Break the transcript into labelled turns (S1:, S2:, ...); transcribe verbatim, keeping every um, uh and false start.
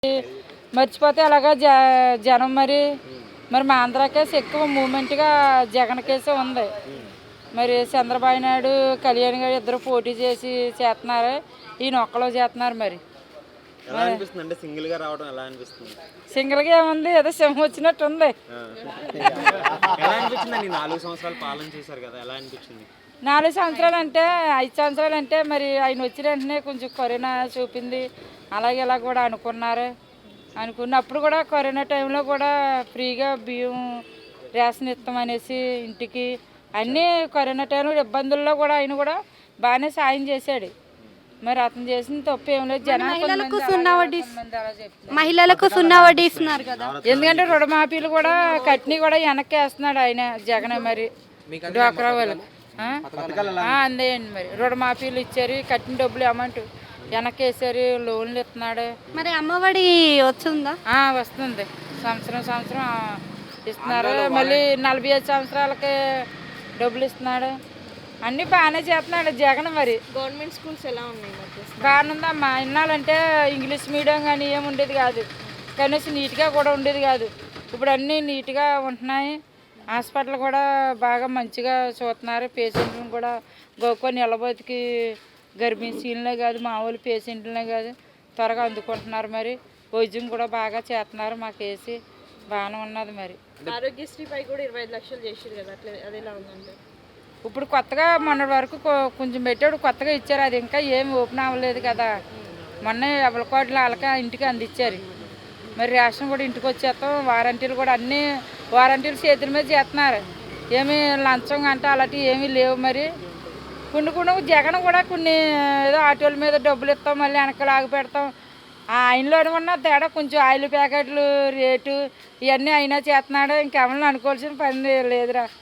S1: మర్చిపోతే అలాగా జ జనం మరి మరి మా ఆంధ్ర కేసు ఎక్కువ మూమెంట్గా జగన్ కేసు ఉంది. మరి చంద్రబాబు నాయుడు కళ్యాణ్ గారు ఇద్దరు పోటీ చేసి చేస్తున్నారు, ఈయన ఒక్కలో చేస్తున్నారు. మరి
S2: ఎలా అనిపిస్తుంది అంటే సింగిల్ గా రావడం ఎలా అనిపిస్తుంది?
S1: సింగిల్గా ఏముంది, ఏదో సింహం వచ్చినట్టు ఉంది.
S2: ఎలా అనిపించింది? నాలుగు సంవత్సరాలు పాలన చేశారు కదా, ఎలా అనిపించింది?
S1: నాలుగు సంవత్సరాలు అంటే ఐదు సంవత్సరాలు అంటే మరి ఆయన వచ్చిన వెంటనే కొంచెం కరోనా చూపింది, అలాగే ఇలా కూడా అనుకున్నారు. అనుకున్నప్పుడు కూడా కరోనా టైంలో కూడా ఫ్రీగా బియ్యం రేషన్ ఇస్తామనేసి ఇంటికి అన్నీ కరోనా టైంలో ఇబ్బందుల్లో కూడా ఆయన కూడా బాగానే సాయం చేశాడు. మరి అతను చేసిన తప్పు ఏం లేదు.
S3: మహిళలకు సున్నా వడ్డీ మహిళలకు సున్నా వడ్డీ ఇస్తున్నారు కదా,
S1: ఎందుకంటే రుణమాఫీలు కూడా కట్ని కూడా వెనక్కి వేస్తున్నాడు ఆయన జగన్. మరి డ్వాక్రా వాళ్ళకి అందేయండి, మరి రుణమాఫీలు ఇచ్చారు, కట్టిన డబ్బులు అమౌంట్ వెనక్కి వేసారు, లోన్లు ఇస్తున్నాడు.
S3: మరి అమ్మఒడి వచ్చిందా?
S1: వస్తుంది, సంవత్సరం సంవత్సరం ఇస్తున్నారు. మళ్ళీ నలభై ఐదు సంవత్సరాలకి డబ్బులు ఇస్తున్నాడు. అన్నీ బాగానే చేస్తున్నాడు జగన్. మరి
S3: గవర్నమెంట్ స్కూల్స్ ఎలా ఉన్నాయి?
S1: బాగానుందమ్మా. ఇన్నాళ్ళంటే ఇంగ్లీష్ మీడియం కానీ ఏమి ఉండేది కాదు, కనీసం నీట్గా కూడా ఉండేది కాదు. ఇప్పుడు అన్నీ నీట్గా ఉంటున్నాయి. హాస్పిటల్ కూడా బాగా మంచిగా చూస్తున్నారు. పేషెంట్లను కూడా గోకొని నిలబోతికి గర్భిణీలనే కాదు, మామూలు పేషెంట్లనే కాదు, త్వరగా అందుకుంటున్నారు. మరి వైద్యం కూడా బాగా చేస్తున్నారు. మాకు వేసి బాగానే ఉన్నది. మరి
S3: ఆరోగ్యశ్రీపై కూడా ఇరవై ఐదు లక్షలు చేసారు కదా, అట్లా అది ఎలా ఉందంటే
S1: ఇప్పుడు కొత్తగా మొన్నటి వరకు కొంచెం పెట్టాడు, కొత్తగా ఇచ్చారు. అది ఇంకా ఏమి ఓపెన్ అవ్వలేదు కదా. మొన్న ఎవరి కోట్లు వాళ్ళకి ఇంటికి అందించారు. మరి రేషన్ కూడా ఇంటికి వచ్చేస్తాం. వారంటీలు కూడా అన్నీ వారంటీలు చేతుల మీద చేస్తున్నారు. ఏమి లంచం అంటే అలాంటివి ఏమీ లేవు. మరి కొన్ని కొన్ని జగన్ కూడా కొన్ని ఏదో ఆటోల మీద డబ్బులు ఇస్తాం, మళ్ళీ వెనక లాగి పెడతాం. ఆయనలోనే ఉన్న తేడా కొంచెం ఆయిల్ ప్యాకెట్లు రేటు ఇవన్నీ అయినా చేస్తున్నాడు. ఇంకెవరిని అనుకోవాల్సిన పని లేదురా.